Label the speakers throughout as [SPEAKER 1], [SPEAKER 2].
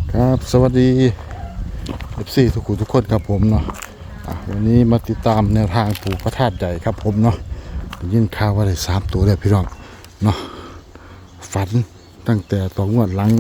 [SPEAKER 1] ครับสวัสดี FC ทุกคนครับผมเนาะวันนี้มาติดตามแนวทางปู่พระธาตุใหญ่ครับผมเนาะได้ยินข่าวว่าได้3ตัวแล้วพี่น้องเนาะฝันตั้งแต่2 งวดหลัง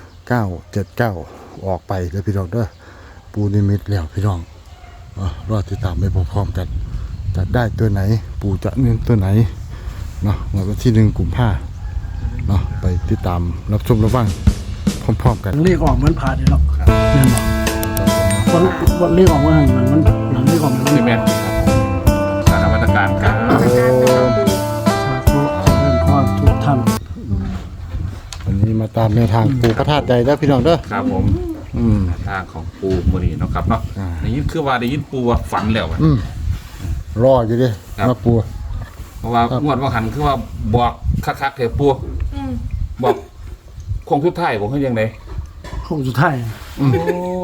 [SPEAKER 1] 979ออกไปเด้อพี่น้องเด้อปู่นิมิตแล้วพี่น้องรอติดตามไปพร้อมๆกันจะได้ตัวไหนปู่จะเน้นตัวไหนเนาะวันที่1 กุมภาพันธ์เนาะไปติดตามรับชมรับฟังพร้อมๆกัน
[SPEAKER 2] เรียกออกเหมือนผ่าเดี๋ยวหรอกแน่นอนวันเรียกออกว่ามันหลังเรียกออกมัน
[SPEAKER 3] ซีเมนต์ครับสารวัตการครับ
[SPEAKER 2] เรื่องพ่อทุกท่าน
[SPEAKER 1] วันนี้มาตามแนวทางปู่พระธาตุใหญ่แล้วพี่น้องเด้อ
[SPEAKER 3] ครับผมทางของปูมือนี่เนาะครับเนาะได้ยินคือว่าได้ยินปูว่าฝันแล้วอะ
[SPEAKER 1] รออยู่ดิมาปู่
[SPEAKER 3] เพราะว่างวดว่าหันคือว่าบอกคักๆเถอะปูบอกคงทุกท่ายบอกให้ยังไง
[SPEAKER 2] คงสุดท้าย
[SPEAKER 3] โอ้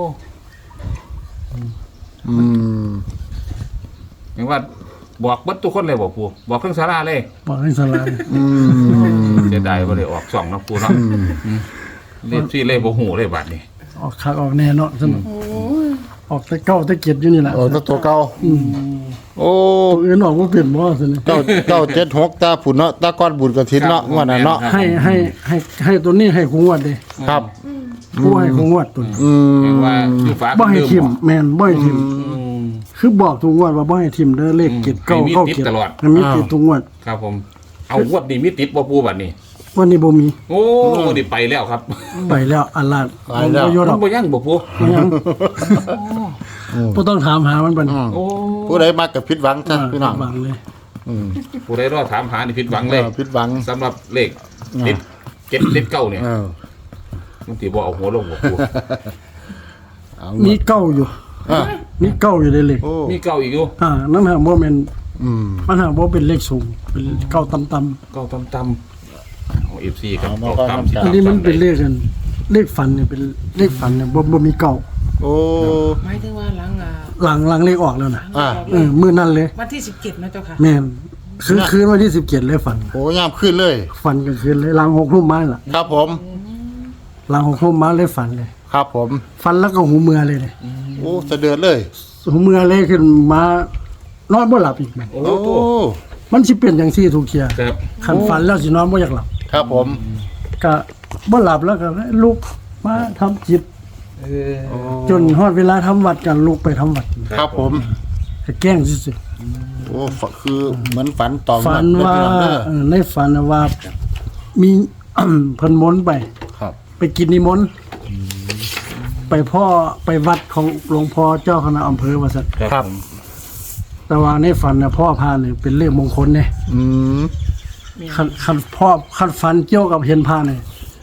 [SPEAKER 3] ยังว่าบอกเบัดทุกคนเลยบอกปูบอกเครื่องสาราเลย
[SPEAKER 2] บอกให้สลาย
[SPEAKER 3] เสียดายว่าเลยออก2นะปูเนาะเรียบซี่เลยบ่หูเลยบัดนี้
[SPEAKER 2] ออกคักออกแน่เนาะสนุกออกแต่เก้าแต่เกียรอยู่นี่แหละ
[SPEAKER 1] โอ้ตัวเก่าโอ้
[SPEAKER 2] ตัวอื่นออกว่าเปลี่ยนบ่สนุก
[SPEAKER 1] 976ตาผุนเนาะตาก้อนบุญกฐินเนาะว่านั้นเนาะ
[SPEAKER 2] ให้ตัวนี้ให้คงวดดิ
[SPEAKER 1] ครับ
[SPEAKER 2] ผู้ให้คงวดตัวนี้
[SPEAKER 3] ยังว่าอยู่ฟ้า
[SPEAKER 2] บ่ให้
[SPEAKER 3] เดิม
[SPEAKER 2] ทิม
[SPEAKER 3] บ่
[SPEAKER 2] แม่นบ่ให้ทิมคือบอกทุกงวดว่าบ่ให้ทิมเด้อเลขเกียรเก้า
[SPEAKER 3] มี
[SPEAKER 2] เข้า
[SPEAKER 3] ติด
[SPEAKER 2] เกียร
[SPEAKER 3] ตลอด
[SPEAKER 2] มันมีติดทุกงวด
[SPEAKER 3] ครับผมเอางวดนี้มีติดบ่ปูบัดนี้
[SPEAKER 2] วันนี้บ่มี
[SPEAKER 3] โอ้ดิไปแล้วครับ
[SPEAKER 2] ไปแล้วอัลลาดบ่อยู่ด
[SPEAKER 3] มั
[SPEAKER 2] อน ก
[SPEAKER 3] บ่ยังบ่ปู
[SPEAKER 2] ยังบ่ต้องถามหามันบัดนี้
[SPEAKER 3] โอ้
[SPEAKER 1] ผู้ใดมากับผิดหวังจ้ะพี่น้อง
[SPEAKER 2] หวังเลย
[SPEAKER 3] ผู้ใดรอถามหานี่ผิดหวังเลย
[SPEAKER 1] ผิดหวัง
[SPEAKER 3] สำหรับเลขติด7ติด9เนี่ยมันสิบ่เอาหัวลงบ่ปู
[SPEAKER 1] เอา
[SPEAKER 2] มีเก้าอยู่มีเก้าอยู่ในเลข
[SPEAKER 1] โอ้
[SPEAKER 3] มี9อีกอยู่
[SPEAKER 2] นั่นหาบ่แม่นมันหาบ่เป็นเลขสูงเป็นเก้าต่ำ
[SPEAKER 3] 9ต่ำของ FC กับ9ต่ำ
[SPEAKER 2] ๆอันนี้มันเป็นเลขกันเลขฝันเนี่ยเป็นเลขฝันเนี่ยบ่มีเก้า
[SPEAKER 1] โอ้
[SPEAKER 4] หมายถึงว่าหลัง
[SPEAKER 2] หลังเลขออกแล้วน่ะ มื้อนั้นเลย
[SPEAKER 4] วันที่17นะเจ้าค่ะ
[SPEAKER 2] แม่นคืนวันที่17เลยฝัน
[SPEAKER 1] โหยามขึ้นเลย
[SPEAKER 2] ฝันกลางคืนเลยหลัง6 ทุ่มมาน่ะ
[SPEAKER 1] ครับผม
[SPEAKER 2] หลัง6 ทุ่มมาเลยฝันเลย
[SPEAKER 1] ครับผม
[SPEAKER 2] ฝันแล้วก็หูเมือเลยเนี่ย
[SPEAKER 1] โอ้สะเดือดเลย
[SPEAKER 2] หูเมือเลยขึ้นมานอนบ่หลับอีกแม่น
[SPEAKER 3] โอ้
[SPEAKER 1] โอ้
[SPEAKER 3] โต
[SPEAKER 2] มันสิเป็นจังซี่ทุกเที่ย
[SPEAKER 3] ครับ
[SPEAKER 2] คันฝันแล้วสินอนบ่อยากหลับ
[SPEAKER 1] ครับผม
[SPEAKER 2] ก็บ่หลับแล้วก็ลุกมาทำจิตจนฮอดเวลาทำวัดกันลุกไปทำวัด
[SPEAKER 1] ครับผม
[SPEAKER 2] ก็แกล้งซื่อ
[SPEAKER 1] โอ้คือเหมือนฝันต่อ
[SPEAKER 2] ๆฝันว่า
[SPEAKER 1] เด้อ
[SPEAKER 2] ในฝันน่ะว่ามี เพิ่นมนต์ไป
[SPEAKER 1] ครับ
[SPEAKER 2] ไปกินนิมนต์ไปพ่อไปวัดของหลวงพ่อเจ้าคณะอำเภอว่าซั่น
[SPEAKER 1] ครับ
[SPEAKER 2] แต่ว่าในฝันน่ะพ่อพาเนี่ยเป็นเลขมงคลเนี่ย
[SPEAKER 1] อืม
[SPEAKER 2] คันฝันเกี่ยวกับเห็นพาเนี่ย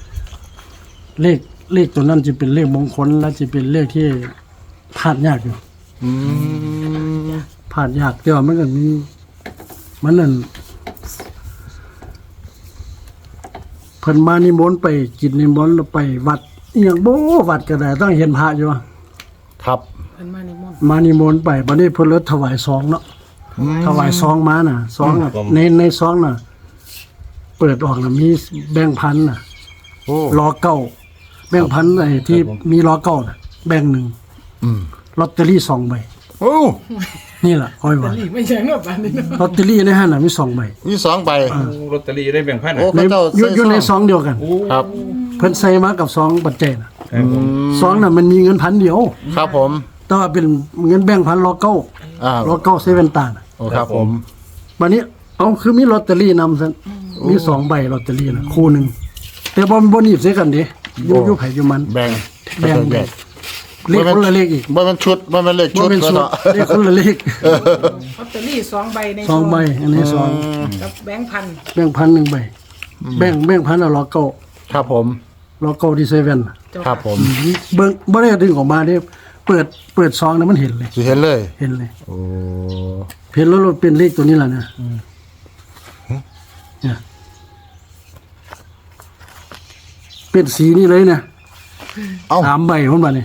[SPEAKER 2] เลขตัวนั้นจะเป็นเลขมงคลและจะเป็นเลขที่พลาดยากอยู่
[SPEAKER 1] อืม
[SPEAKER 2] พลาดยากแต่ว่ามันก็มีมันนั่นเพิ่นมานิมนต์ไปกินนิมนต์แล้วไปวัดอีหยังบ่วัดก็ได้ต้องเห็นพระอยู่ว่า
[SPEAKER 1] ครับ
[SPEAKER 4] เพิ่นมาในมนต์
[SPEAKER 2] มานิมนต์ไปบัดนี้เพิ่นเลยถวายซองเนาะถวายซองมาน่ะซองน่ะในซองน่ะ เปิดออกน่ะมีแบงค์พันน่ะ
[SPEAKER 1] โอ้
[SPEAKER 2] ล้อเก้าแบงค์พันไอ้ที่มีล้อเก้าน่ะแบงค์หนึ่ง
[SPEAKER 1] อืม
[SPEAKER 2] ลอตเตอรี่2 ใบ
[SPEAKER 1] โอ้
[SPEAKER 2] นี่ล่ะอ้อยว่า
[SPEAKER 4] นี่ไม่ใช่เนาะบ้านนี้เนาะ
[SPEAKER 2] ลอตเตอรี่ในห้างน่ะมี2 ใบ
[SPEAKER 1] มี2 ใบ
[SPEAKER 3] ลอตเตอรี่ได้แบ่งพัน
[SPEAKER 1] โอ้
[SPEAKER 2] ใน
[SPEAKER 1] เขาเจ้า
[SPEAKER 2] อยู่ในซองเดียวกัน
[SPEAKER 1] ครับ
[SPEAKER 2] เพิ่นใส่มากับซองปัจจัยน่ะ
[SPEAKER 3] ครับผม
[SPEAKER 2] ซองน่ะมันมีเงินพันเดียว
[SPEAKER 1] ครับผม
[SPEAKER 2] แต่ว่าเป็นเงินแบงค์พันล้อเก้า ล้อเก้าเซเว่นตาน่ะ
[SPEAKER 1] โอ้ครับผม
[SPEAKER 2] บัดนี้เอาคือมีลอตเตอรี่นำซั่นมี2 ใบลอตเตอรี่น่ะคู่หนึงแต่บ่หนีบใส่กันเด้อยู่ไผอยู่มัน
[SPEAKER 1] แบ่ง
[SPEAKER 2] แบ่ง
[SPEAKER 1] แบ่ง
[SPEAKER 2] เลขคนละเลขอีก
[SPEAKER 1] บ่มันชุดบ่มันเลข
[SPEAKER 2] บ่
[SPEAKER 1] ชุด
[SPEAKER 2] เป็น
[SPEAKER 1] ก็
[SPEAKER 2] สูตร
[SPEAKER 1] เนาะ
[SPEAKER 2] เลขคนละเลข
[SPEAKER 4] ลอตเตอรี่2ใบใน
[SPEAKER 2] 2 ใบอันนี้สอง
[SPEAKER 4] กับแบงค์พัน
[SPEAKER 2] แบ่งพัน1 ใบแบ่งพันเอาล้อเก้า
[SPEAKER 1] ครับผม
[SPEAKER 2] ล้อเก้าที่เซเว่นน่ะ
[SPEAKER 4] เจ้า
[SPEAKER 1] ครับผม
[SPEAKER 2] เบิ่งบ่ได้ดึงออกมาเด้เปิดซองแล้วมันเห็นเลย
[SPEAKER 1] สิเห็นเลย
[SPEAKER 2] เห็นเลย
[SPEAKER 1] โอ้
[SPEAKER 2] เห็นแล้วเราเป็นเลขตัวนี้ล่ะนะเนี่ยเป็นสีนี้เลยนะ
[SPEAKER 1] เอ้า
[SPEAKER 2] 3 ใบผมว่านี่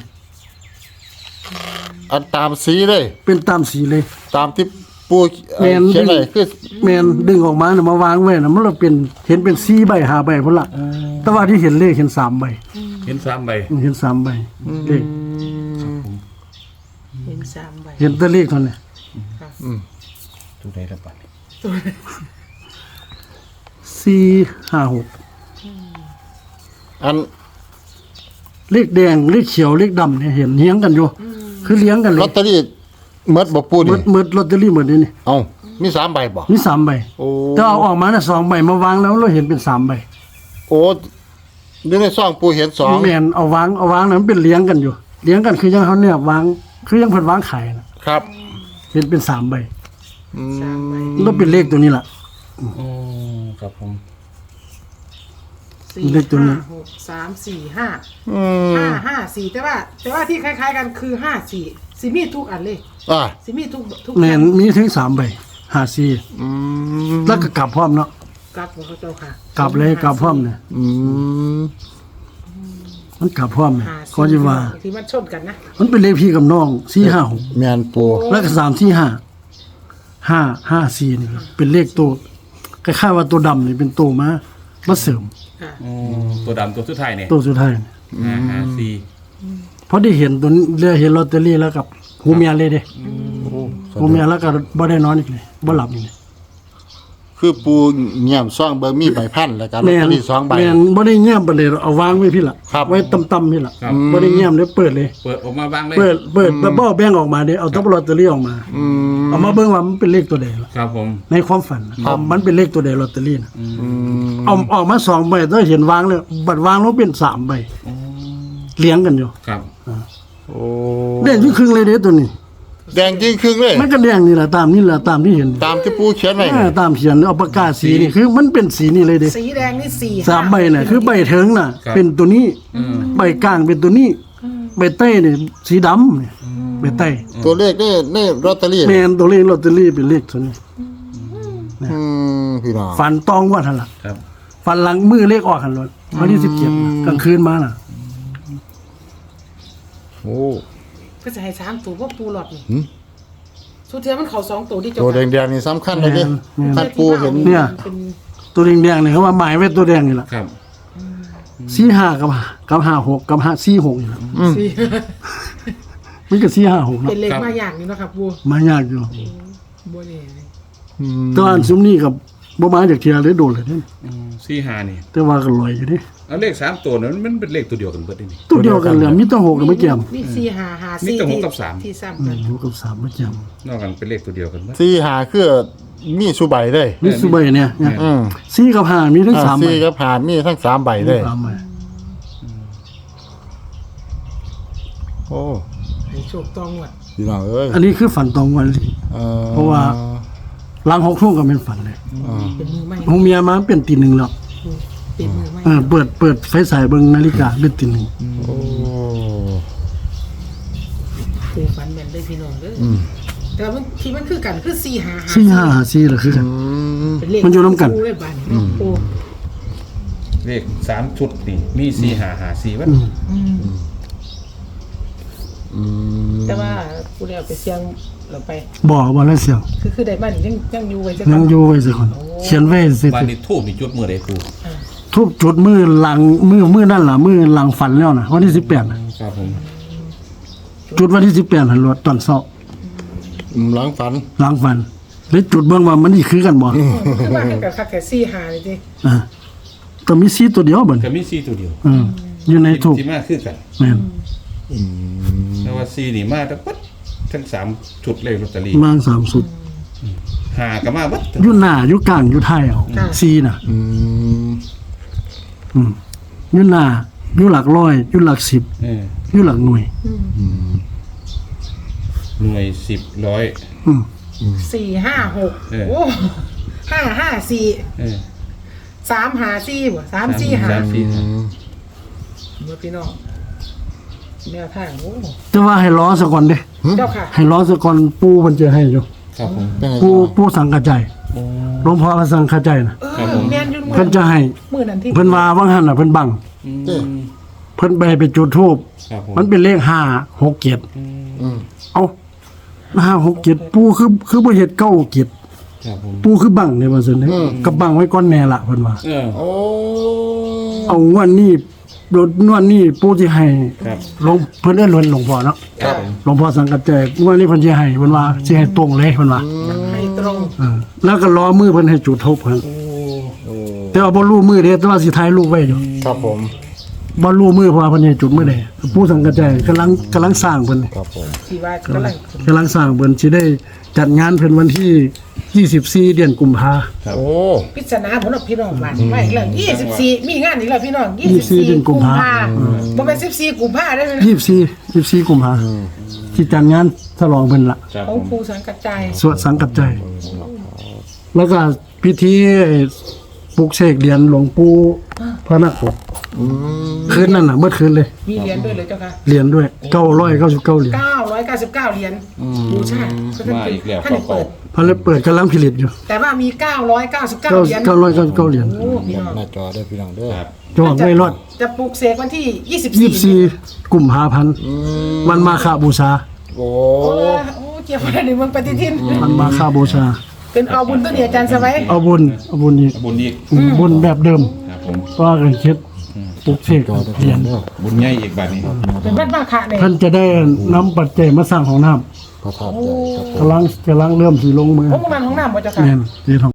[SPEAKER 1] อันตามสีเลย
[SPEAKER 2] เป็นตามสีเลย
[SPEAKER 1] ตามที่ปู
[SPEAKER 2] แม่น
[SPEAKER 1] เขียนเลยคือ
[SPEAKER 2] แม่นดึงออกมาน่ะมาวางไว้น่ะมันเราเป็นเห็นเป็น4 ใบ5 ใบพุ่นล่ะแต่ว่าที่เห็นเลขเห็น3 ใบ
[SPEAKER 3] เห็น3ใบ
[SPEAKER 2] เห็น3ใบเลข
[SPEAKER 4] เห็น3ใบ
[SPEAKER 2] เห็นแต่เลขเท่านั้น
[SPEAKER 3] ตัวใดละบัด
[SPEAKER 2] 456
[SPEAKER 1] อัน
[SPEAKER 2] เลขแดงเลขเขียวเลขดำเนี่ยเห็นเลี้ยงกันอยู่คือเลี้ยงกันเล
[SPEAKER 1] ลอย ตเตอรี่เมดบ่ปูนี่
[SPEAKER 2] หมดลอตเตอรี่หมดนี่
[SPEAKER 1] เอ้ามี3ใบบ่
[SPEAKER 2] มี3ใบ
[SPEAKER 1] โอ้
[SPEAKER 2] แต่เอาออกมาน่ะ2ใบมาวางแล้วเราเห็นเป็น3ใบ
[SPEAKER 1] โอ้อยู่ในซองปูเห็น2
[SPEAKER 2] แม่นเอาวางนั้นมันเป็นเลี้ยงกันอยู่เลี้ยงกันคือยังเขาเนี่ยวางคือยังเพิ่นวางขายนะครับ เห็นเป็น3ใบ
[SPEAKER 4] 3ใบ
[SPEAKER 2] แล้วเป็นเลขตัวนี้ล่ะ
[SPEAKER 3] โอ้ครับผม
[SPEAKER 4] 4
[SPEAKER 2] เลขตัวนี้
[SPEAKER 4] 5 6 3 4 5
[SPEAKER 1] อืม
[SPEAKER 4] 5 4แต่ว่าที่คล้ายๆกันคือ5 4สิมีทุกอันเลย
[SPEAKER 1] อ่า
[SPEAKER 4] สิมีทุก
[SPEAKER 2] แม่นมีถึง3ใบ54
[SPEAKER 1] อืม
[SPEAKER 2] แล้วก็กลับพร้อมเนาะ
[SPEAKER 4] กลับของเขาเจ้าค่ะ
[SPEAKER 2] กลับเลยกลับพร้อมเนี่ย
[SPEAKER 1] อืม
[SPEAKER 2] มันกลับพร้อมเนี่ย
[SPEAKER 4] 54
[SPEAKER 2] ก็จะว่า
[SPEAKER 4] ที่มันชนกันนะ
[SPEAKER 2] มันเป็นเลขพี่กับน้อง456
[SPEAKER 1] แม่นปู
[SPEAKER 2] แล้วก็345 554นี่ครับเป็นเลขตัวคล้ายๆว่าตัวดำนี่เป็นตัวมาเสริม
[SPEAKER 4] ค่ะ
[SPEAKER 3] โอ้ตัวดำตัวสุดท้ายเนี่ย
[SPEAKER 2] ตัวสุดท้ายนี่
[SPEAKER 3] 554
[SPEAKER 2] เพราะได้เห็นตัวนี้เลยเห็นลอตเตอรี่แล้วกับหูเมียเลยเด้หูเมียแล้วก็บ่ได้นอนอีกเลยบ่หลับอีกเลย
[SPEAKER 1] คือปูเงียบซองเบอร์มีใบพันแล้วก็ลอต
[SPEAKER 2] แม่
[SPEAKER 1] เตอน รี่2ใบ
[SPEAKER 2] แม่นบ่ได้เงียบไปเลยเอาวางไว้พี่ล่ะ
[SPEAKER 1] ครับ
[SPEAKER 2] ไว้ต่ำๆพี่ล่ะบ่ได้เงียบเลยเปิดเลย
[SPEAKER 3] เปิดออกมาบ้างเลย
[SPEAKER 2] เปิดแล้วบ่แบ่งออกมาเด้เอาตัวลอตเตอรี่ออกมา
[SPEAKER 1] อืม
[SPEAKER 2] เอามาเบิ่งว่ามันเป็นเลขตัวใดล่ะ
[SPEAKER 3] ครับผม
[SPEAKER 2] ในความฝันน่ะมันเป็นเลขตัวใดลอตเตอรี่น่ะ
[SPEAKER 1] อืม
[SPEAKER 2] เอาออกมา2ใบแต่เห็นวางเลยบัดวางแล้วเป็น3ใบเลี้ยงกันอยู่
[SPEAKER 3] ครับ
[SPEAKER 1] โอ้
[SPEAKER 2] เด่นครึ่งเลยเด้ตัวนี้
[SPEAKER 1] แดงจริงครึ่งเลย
[SPEAKER 2] มันก็แดงนี่ล่ะตามนี่ล่ะตามที่เห็น
[SPEAKER 1] ตามที่ปูเขียนไว้
[SPEAKER 2] ตามเขียนเอาปากกาสีนี่คือมันเป็นสีนี่เลยเด้
[SPEAKER 4] สีแดงนี่4
[SPEAKER 2] 3ใบน่ะคือใบเถิงน่ะ เป็นตัวนี้ใบกลางเป็นตัวนี้ใบใต้นี่สีดำเนี่ยใบใต้
[SPEAKER 1] ตัวเลขนี่ลอตเตอรี่
[SPEAKER 2] แม่นตัวเลขลอตเตอรี่เป็นเลขตัวนี้
[SPEAKER 1] พี่น้อง
[SPEAKER 2] ฝันตองว่าหั่นล่ะ
[SPEAKER 3] ครับ
[SPEAKER 2] ฝันหลังมือเลขออกหั่นเลยวันที่17กลางคืนมาน่ะ
[SPEAKER 1] โอ้
[SPEAKER 4] ก็จะให้3ตัวว่าปูหลอดนี่
[SPEAKER 1] หืม
[SPEAKER 4] สุดท้ายมันเข้า2ตัวที่เจ้า
[SPEAKER 1] ตัว
[SPEAKER 4] ค่ะ
[SPEAKER 1] แดงๆนี่สำคัญเลยเด้ท่านปูเห็น
[SPEAKER 2] เนี่ย
[SPEAKER 4] เป็น
[SPEAKER 2] ตัวแดงๆนี่เขาว่าหมายไว้ตัวแดงนี่ล่ะ
[SPEAKER 3] ครับ
[SPEAKER 2] 45กับ56กับ46นี่ล่ะ
[SPEAKER 4] สี่
[SPEAKER 2] มันก็456
[SPEAKER 4] เป็น
[SPEAKER 2] เนาะ
[SPEAKER 4] เลขมาอย่างนี้เนาะครับปู
[SPEAKER 2] มายากอยู่
[SPEAKER 4] บ่แน่เลย
[SPEAKER 2] แตัวอันซุมนี้กับบ่มาจากเทียเลยโดนเลยเด้
[SPEAKER 3] 45นี่
[SPEAKER 2] แต่ว่าก็ลอยอยู่เด้
[SPEAKER 3] แล้วเลข3ตัวนั้นมันเป็นเลขตัวเดียวกันเบิดนี่
[SPEAKER 2] ตัวเดียวกันเลยมีแตั้ง6ไม่เกี่ยม
[SPEAKER 4] นี่4 5 5
[SPEAKER 3] มีแต่
[SPEAKER 4] 4
[SPEAKER 3] หกกับสาม
[SPEAKER 4] ที่ซ้ำกัน
[SPEAKER 2] 6กับ3ไม่เกี่ยม
[SPEAKER 3] นอกกันเป็นเลขตัวเดียวกันเบิด
[SPEAKER 1] 4 5คือมีสุใบเลย
[SPEAKER 2] มีสุใบเนี่ย
[SPEAKER 1] อืม
[SPEAKER 2] 4กับ5มีทั้ง3ใบ
[SPEAKER 1] 4กับผ่านมีทั้ง3ใบเลย
[SPEAKER 2] 3ใบ
[SPEAKER 1] โอ้
[SPEAKER 4] ให้โชคตองวด
[SPEAKER 1] พี่น้องเอ้ย
[SPEAKER 2] อันนี้คือฝันตรงวันเลย เพราะว่า หลัง6ทุ่มก็เป็นฝันเลย
[SPEAKER 4] เป็นมือใหม่
[SPEAKER 2] หูเมียมาเป็นตีหนึ่งแล้ว
[SPEAKER 4] เป็นมือใหม่
[SPEAKER 2] เปิดไฟฉายเบิ่งนาฬิกาเป็นตีหนึ่ง
[SPEAKER 1] โอ้
[SPEAKER 4] ปูฝันแม่นได้พี่น้องเด้อแต่ว่ามันที่มันคือกันคือ4 5 5
[SPEAKER 2] 4-5-4ล่ะคือกัน
[SPEAKER 4] เป็นเลข
[SPEAKER 2] มันอยู่นำกัน
[SPEAKER 4] ปูเลยบาดนี้เนาะปู
[SPEAKER 3] เลข3ชุดนี่มี4554วัด
[SPEAKER 4] แต่ว่าปูได้เอาไปเสี่ยงเราไป
[SPEAKER 2] บ่แล้วเสียง
[SPEAKER 4] คือได้มานี่ยังอยู่ไว้จัก
[SPEAKER 2] ยังอยู่ไว้สิคนเขียนไว้สิ
[SPEAKER 3] วันนี้ทูบนี่จุดมือใดปู
[SPEAKER 2] ทุบจุดมือหลังมือนั่นล่ะมือหลังฝันแล้วน่ะวันที่18น่ะ
[SPEAKER 3] ครับผม
[SPEAKER 2] จุดวันที่18หั่นรถตอนเช้า
[SPEAKER 1] หลังฝัน
[SPEAKER 2] หลังฝันเลยจุดเบิ่งว่ามันสิคือกันบ่
[SPEAKER 4] คือว่าคือกับคักแค่4 5นี่ติ
[SPEAKER 2] อ่าก็มี4ตัวเดียวบัด
[SPEAKER 3] ก็มี4ตัวเดียว
[SPEAKER 2] อยู่ในทูบ
[SPEAKER 3] ที่มาคือกัน
[SPEAKER 2] แม่น
[SPEAKER 3] แต่ว่า4นี่มาทั้งปัดทั้ง3ชุดเลขลอตเตอรี่
[SPEAKER 2] มา3สุด
[SPEAKER 3] 5ก็มาเบัด
[SPEAKER 2] อยู่หน้าอยู่กลางอยู่ท้ายเอา4น่ะ
[SPEAKER 1] อืม
[SPEAKER 2] อยู่หน้าอยู่หลักร้อยอยู่หลัก10 อยู่หลักหน่วย
[SPEAKER 3] หน่วย10 100
[SPEAKER 4] 4 5 6โอ้5 5 4 3 5 4บ่3 4 5 บ่พี่น้องแนวทางโอ้
[SPEAKER 2] แต่ว่าให้รอซะก่อนเด้
[SPEAKER 4] เจ้าค่ะ
[SPEAKER 2] ให้รอซะก่อนปู่เพิ่นจะให้อยู่
[SPEAKER 3] ครับผม
[SPEAKER 1] เป็นไง
[SPEAKER 2] ปู่สังกัจจายหลวงพ่อก็สังกัจจายน่ะ
[SPEAKER 4] แม่นอยู่
[SPEAKER 2] เพิ่นจะให้
[SPEAKER 4] มื้อนั้นที่
[SPEAKER 2] เพิ่นว่าว่างหั่นน่ะเพิ่นบัง เพิ่นไปจุดธูป
[SPEAKER 3] ครับผม
[SPEAKER 2] มันเป็นเลข5 6 7
[SPEAKER 1] อืม
[SPEAKER 2] เอ้า5 6 7ปู่คือบ่เฮ็ด9 7
[SPEAKER 3] ครับผม
[SPEAKER 2] ปู่คือบังเนี่ยว่าซั่นเด้ก็บังไว้ก่อนแน่ละเพิ่นว่า
[SPEAKER 3] เออ
[SPEAKER 1] โอ้
[SPEAKER 2] เอางวดนี้โดดนวดนี่ปู่สิให้
[SPEAKER 5] ครับ
[SPEAKER 2] หลวงเพิ่นเอิ้นหลวงพ่อเนาะ
[SPEAKER 3] ครับ
[SPEAKER 2] หลวงพ่อสังกัดใจนวดนี่เพิ่นสิให้เพิ่นว่าสิให้ตรงเลยเพิ่นว่า
[SPEAKER 4] ให้ตรง
[SPEAKER 2] แล้วก็รอมือเพิ่นให้จุดธูปเพิ่น
[SPEAKER 5] โอ้
[SPEAKER 2] แต่ว่าบ่รู้มือเด้แต่ว่าสิถ่ายรูปไว้อยู่
[SPEAKER 1] ครับผม
[SPEAKER 2] บ่รู้มือเพราะว่าเพิ่นให้จุดมือใดปู่สังกัดใจกำลังสร้างเพิ่น
[SPEAKER 1] ครับผม
[SPEAKER 4] ที่ว่ากำลัง
[SPEAKER 2] กำลังสร้างเพิ่นสิได้จัดงานเพิ่นวันที่24เดือนกุมภา
[SPEAKER 1] โอ้
[SPEAKER 4] ปริศนาผลพี่น้องบ้านไม่อีกแล้ว24มีงานอีกแล้วพี่น้อง
[SPEAKER 2] 24
[SPEAKER 4] 24กุมภาบ่แม่น14กุมภาได้ไหม
[SPEAKER 2] 24กุมภาที่จัดงานฉลองเพิ่นละ
[SPEAKER 5] ครับ
[SPEAKER 4] ของ
[SPEAKER 5] ผม
[SPEAKER 4] ครูสังกัดใจ
[SPEAKER 2] สวดสังกัดใจ แล้วก็พิธีปลุกเสกเหรียญหลวงปู่พระนครคืนนั้นน่ะเมื่อคืนเลย
[SPEAKER 4] มีเหรียญด้วยเลยเจ้าค่ะ
[SPEAKER 2] เหรียญด้วย999เหรียญ
[SPEAKER 4] 999เหรียญบูชา
[SPEAKER 5] มาอีกแล้ว
[SPEAKER 4] ท่านได้เปิด
[SPEAKER 2] พระเลยเปิดกำลังผลิตอยู่
[SPEAKER 4] แต่ว่ามี999เหรียญ
[SPEAKER 2] 999เหรียญ
[SPEAKER 4] โอ้พี่น้อง
[SPEAKER 1] หน้าจอได้พี่น้องเด้อ
[SPEAKER 5] ครับ
[SPEAKER 2] จองไม่รอด
[SPEAKER 4] จะปลูกเสกวันที่24
[SPEAKER 2] 24กุมภาพันธ์วันมาฆบูชา
[SPEAKER 1] โอ้
[SPEAKER 4] โอ้เกี่ยวอะไรในเมืองปฏิทิน
[SPEAKER 2] วันมาฆบูชา
[SPEAKER 4] เป็นเอาบุญตัวนี้อาจารย์สบาย
[SPEAKER 2] เอาบุญอีก
[SPEAKER 5] บุญอีก
[SPEAKER 2] บุญแบบเดิม
[SPEAKER 5] ครับผม
[SPEAKER 2] ว่ากันคิดปลุกเสก
[SPEAKER 1] จอได้
[SPEAKER 2] เห
[SPEAKER 1] พี่
[SPEAKER 2] รีย
[SPEAKER 1] น้อ
[SPEAKER 2] ญ
[SPEAKER 1] งเด้อ
[SPEAKER 5] บุญใหญ่อีกบัดนี้
[SPEAKER 4] เป็นวัดมาคะเนี่ย
[SPEAKER 2] ท่านจะได้นำปัจจัยมาสร้างของน้ำ
[SPEAKER 1] พระธาตุใหญ่ครับผม
[SPEAKER 2] กำลังเริ่มสิลงมือ
[SPEAKER 4] โอ้มันของน้ำบ่เจ้าค่ะ
[SPEAKER 2] แม่นที่ทอง